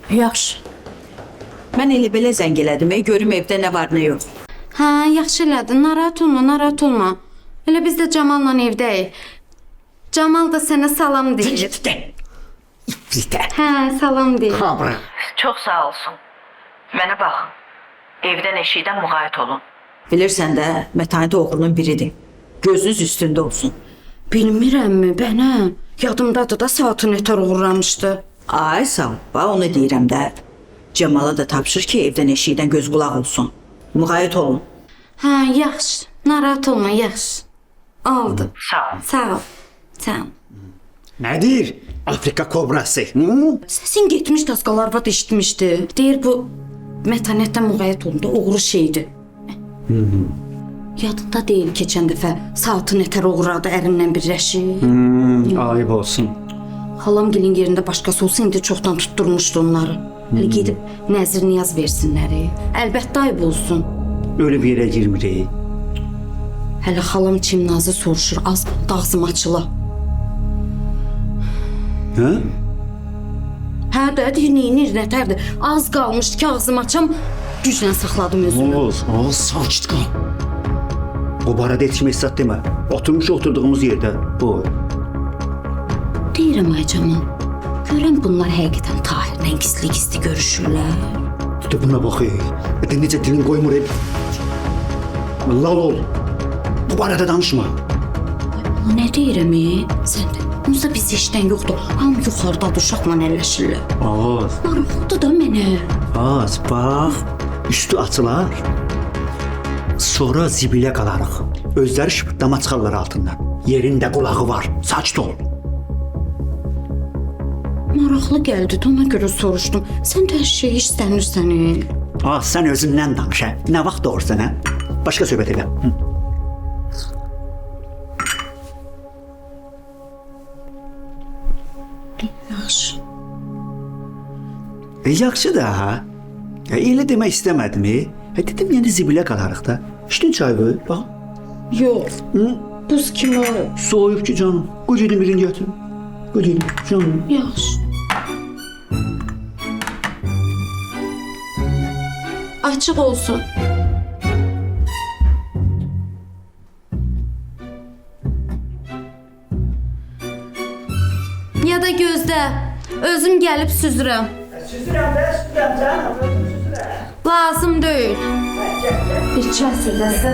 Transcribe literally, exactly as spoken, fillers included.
Yaxşı. Mən elə belə zəng elədim, ey, görüm evdə nə var, nə yox. Hə, yaxşı elədin. Narahat olma, narahat olma. Elə biz də Camalla evdəyik. Camal da sənə salam deyir. Bizdə. Hə, salam deyir. Hamra. Çox sağ olsun. Mənə bax, evdən eşikdən müğayət olun. Bilirsən də, mətanət oğlunun biridir. Gözünüz üstündə olsun. Bilmirəmmi, bənə? Yadımdadır da saatı nətər uğurlamışdı. Ay sağ ol, bax onu deyirəm də. Cəmala da tapşır ki, evdən eşikdən göz qulaq olsun. Müğayət olun. Hə, yaxşı. Narahat olma, yaxşı. Oldu. Sağ ol. Sağ ol. Sağ ol. Nədir? Afrika kobrası. Hı? Səsin getmiş daskalar vat eşitmişdi. Deyir bu mətanətdən müğayət olunda uğru şeydir. Yadında deyil keçən dəfə saatı nətər uğradı ərimlə birləşib. Hmm, ayıb olsun. Halamgilin yerində başqası olsa indi çoxdan tutturmuşdu onları. Hələ gedib nəzir niyaz versinlər. Əlbəttə ayıb olsun. Öyle bir yerə girmirik. Hələ xalam Çimnazı soruşur, az dağzım açıla. Hə? Hə də, deyir, neynir, nətərdir. Az qalmışdı ki, ağzım açam, güclə saxladım özümü. Oğuz, Oğuz, sakit qal. Bu barədə heç kimə hesab demə. Oturmuş oturduğumuz yerdə bu. Deyirəm ay Camal, görəm bunlar həqiqətən Tahirlə gizli-gizli görüşürlər. Bir də buna bax, ey. Bir də necə dilin qoymur, ey. Lal ol. Bu barədə danışma. O nə deyirəm, ey? Sən də. Onsuz biz işdən yoxdur. Hamı yuxarıdadır, uşaqla əlləşirlər. Oğuz, Maraqlıdır da mənə. az, bax. Üstü açılar. Sonra zibilə qalarıq. Özləri şıpıtlama çıxarlar altından. Yerində qulağı var. Sakit ol. Maraqlı gəldi, də ona görə soruşdum. Sən də hər şeyi istənirsən, ey. Ah, sən özündən danış, hə? Nə vaxt doğrusan, hə? Başqa söhbət elə. Hı. Yaxşı. E, yaxşı da, ha? E, elə demək istəmədim, e? E, dedim, yəni zibilə qalarıq da. İçdin çayı, bax. Yox. Hı? Buz kimi o. Soğuyub ki canım. Qoy gedim birini gətirim. Qoy gedim, canım. Yaxşı. Açıq olsun. Ya da gözlə. Özüm gəlib süzürəm. Süzürəm də, süzürəm canım, süzürəm. Lazım deyil. Bir çay süzəsə.